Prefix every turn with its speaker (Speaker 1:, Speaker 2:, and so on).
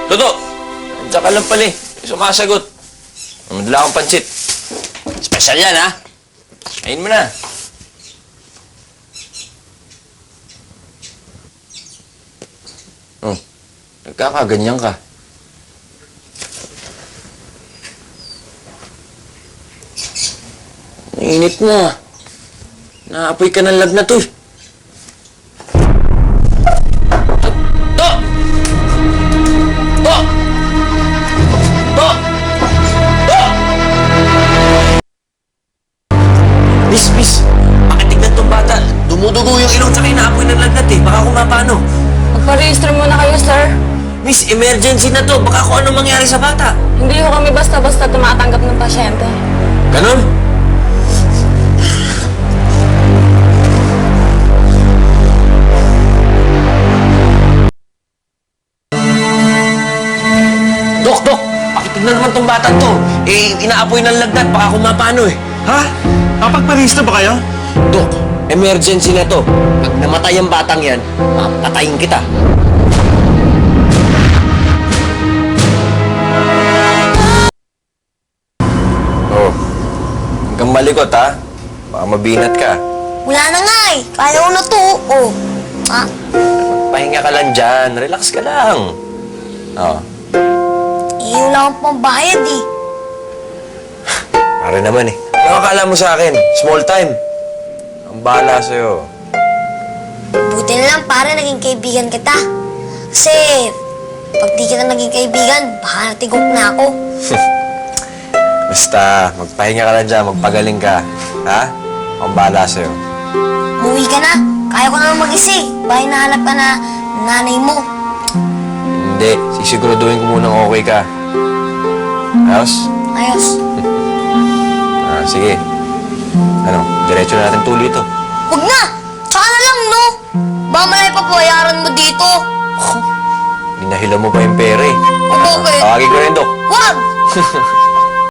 Speaker 1: Toto! Andiyan ka lang pala eh. Sumasagot. Madala akong pansit. Special yan, ha? Kain mo na. Oh, nagkakaganyan ka. Init mo, ah. Naapoy ka ng lagnat, eh. To! To! To! To! Miss, pakitignan tong bata. Dumudugo yung ilong tsaka inaapoy ng lagnat, eh. Baka kumapano.
Speaker 2: Magpa-register muna kayo, sir.
Speaker 1: Miss, emergency na to. Baka kung anong mangyari sa bata.
Speaker 2: Hindi ko kami basta-basta tumatanggap ng pasyente.
Speaker 1: Ganon? Dok! Pakitignan naman tong bata to. Eh, inaapoy ng lagnat. Baka kumapano, eh.
Speaker 3: Ha? Kapag-parista ba kayo?
Speaker 1: Dok, emergency na to. Pag namatay ang batang yan, patayin kita. Oh, hanggang malikot, ha? Baka mabinat ka.
Speaker 4: Wala na nga eh. Kaya ko na to. Oh. Ah,
Speaker 1: Pahinga ka lang dyan. Relax ka lang. Oh,
Speaker 4: wala akong pambayad eh.
Speaker 1: pare naman eh. Ano akala mo sa akin? Small time. Ang bahala sa'yo.
Speaker 4: Buti na lang para naging kaibigan kita. Kasi, pag di kita naging kaibigan, baka natigok na ako.
Speaker 1: Basta, magpahinga ka lang dyan. Magpagaling ka. Ha? Ang bahala sa'yo.
Speaker 4: Umuwi ka na. Kaya ko naman mag-isa eh. Baka hinahanap ka na nanay mo.
Speaker 1: Hindi. Sisiguraduhin ko munang okay ka. Ayos?
Speaker 4: Ayos.
Speaker 1: Sige. Ano, diretso na natin tuloy ito.
Speaker 4: Huwag na! Tsaka na lang, no? Baka malay pa payaran mo dito.
Speaker 1: Hinahila mo pa yung pera eh.
Speaker 4: O bakit?
Speaker 1: Tawagin ko rin, Dok.
Speaker 4: Huwag!